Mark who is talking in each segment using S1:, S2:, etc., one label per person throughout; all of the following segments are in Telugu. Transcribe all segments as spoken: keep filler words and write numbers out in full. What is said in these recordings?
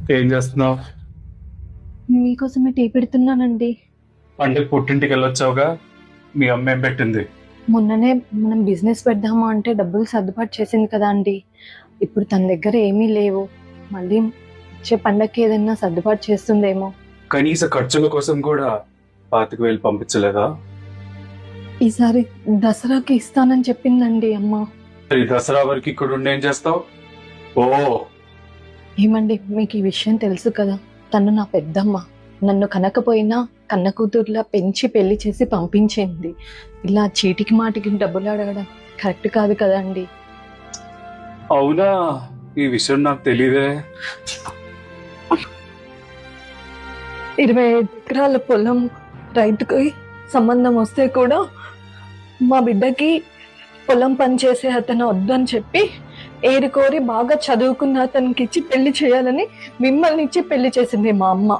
S1: ఏం చేస్తున్నావు?
S2: మీకోసమే టీ పెడుతున్నానండి.
S1: అంటే పుట్టింటికి వెళ్ళొచ్చావుగా, మీ అమ్మ ఏం పెట్టింది?
S2: మొన్ననే మనం బిజినెస్ పెడదామా అంటే డబ్బులు సర్దుబాటు చేసింది కదా అండి. ఇప్పుడు తన దగ్గర ఏమీ లేవు. మళ్ళీ వచ్చే పండగకి ఏదైనా సర్దుబాటు చేస్తుందేమో.
S1: కనీస ఖర్చుల కోసం కూడా పాతిక వేలు పంపించలేదా?
S2: ఈసారి దసరాకి ఇస్తానని చెప్పిందండి అమ్మ.
S1: ఈ దసరా వరకు ఇక్కడ ఉండి ఏం చేస్తావు? ఓ
S2: ఏమండి, మీకు ఈ విషయం తెలుసు కదా, తను నా పెద్దమ్మ. నన్ను కనకపోయినా కన్న కూతుర్లా పెంచి పెళ్లి చేసి పంపించింది. ఇలా చీటికి మాటికి డబ్బులు అడగడం కరెక్ట్ కాదు కదా అండి.
S1: అవునా? ఈ విషయం నాకు తెలియదే.
S2: ఇరవై ఎకరాల పొలం రైతుకి సంబంధం వస్తే కూడా మా బిడ్డకి పొలం పని చేసే అతను వద్దని చెప్పి ఏరుకోరి బాగా చదువుకున్న అతనికి ఇచ్చి పెళ్లి చేయాలని మిమ్మల్ని ఇచ్చి పెళ్లి చేసింది మా అమ్మ.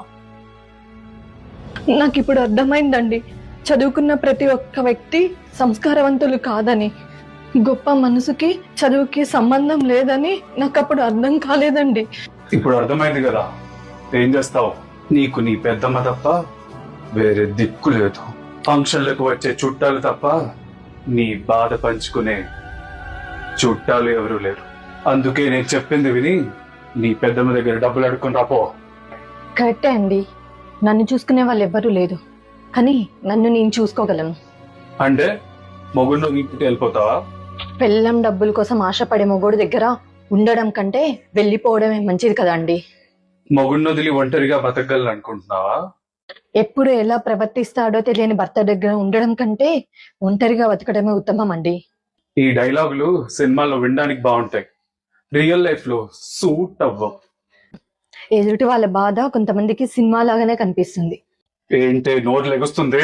S2: నాకు ఇప్పుడు అర్థమైందండి, చదువుకున్న ప్రతి ఒక్క వ్యక్తి సంస్కారవంతులు కాదని. గొప్ప మనసుకి చదువుకి సంబంధం లేదని నాకు అప్పుడు అర్థం కాలేదండి.
S1: ఇప్పుడు అర్థమైంది కదా, ఏం చేస్తావు? నీకు నీ పెద్దమ్మ తప్ప వేరే దిక్కు లేదు. ఫంక్షన్లకు వచ్చే చుట్టాలు తప్ప నీ బాధ పంచుకునే చుట్టాలు ఎవరు లేరు. అందుకే నేను చెప్పింది విని నీ పెద్దమ్మ దగ్గర డబ్బులు అడుక్కుని రాపో.
S2: కరెక్టే అండి, నన్ను చూసుకునే వాళ్ళు ఎవ్వరూ లేదు, కానీ నన్ను నేను చూసుకోగలను.
S1: అంటే మొగుడు ఇంటికి వెళ్ళిపోతావా?
S2: పెళ్ళం డబ్బుల కోసం ఆశపడే మొగోడు దగ్గర ఉండడం కంటే వెళ్ళిపోవడమే మంచిది కదా అండి.
S1: మొగుడిని వదిలి ఒంటరిగా బతకగలను అనుకుంటున్నావా?
S2: ఎప్పుడు ఎలా ప్రవర్తిస్తాడో తెలియని భర్త దగ్గర ఉండడం కంటే ఒంటరిగా బతకడమే ఉత్తమం అండి.
S1: ఈ డైలాగులు సినిమాల్లో వినడానికి బాగుంటాయి, రియల్ లైఫ్ లో సూట్ అవ్వవు.
S2: ఎదుటి వాళ్ళ బాధ కొంతమందికి సినిమా లాగానే కనిపిస్తుంది.
S1: ఏంటే నోరు లెగుస్తుంది?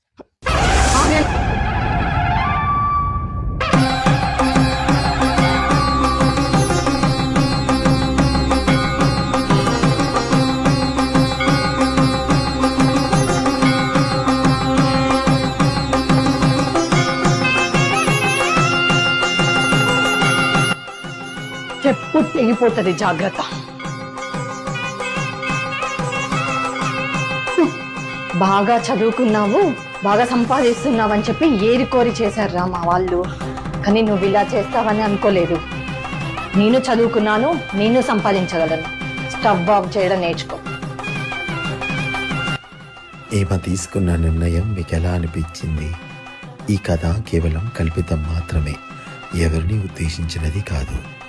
S2: చెప్పు తెగిపోతుంది, జాగ్రత్త. బాగా చదువుకున్నావు, బాగా సంపాదిస్తున్నావు అని చెప్పి ఏరికోరి చేశారు మా వాళ్ళు. కానీ నువ్వు ఇలా చేస్తావని అనుకోలేదు. నేను చదువుకున్నాను, నేను సంపాదించగలను. స్టవ్ ఆఫ్ చేయడం నేర్చుకో.
S3: ఈమె తీసుకున్న నిర్ణయం మీకు ఎలా అనిపించింది? ఈ కథ కేవలం కల్పితం మాత్రమే, ఎవరిని ఉద్దేశించినది కాదు.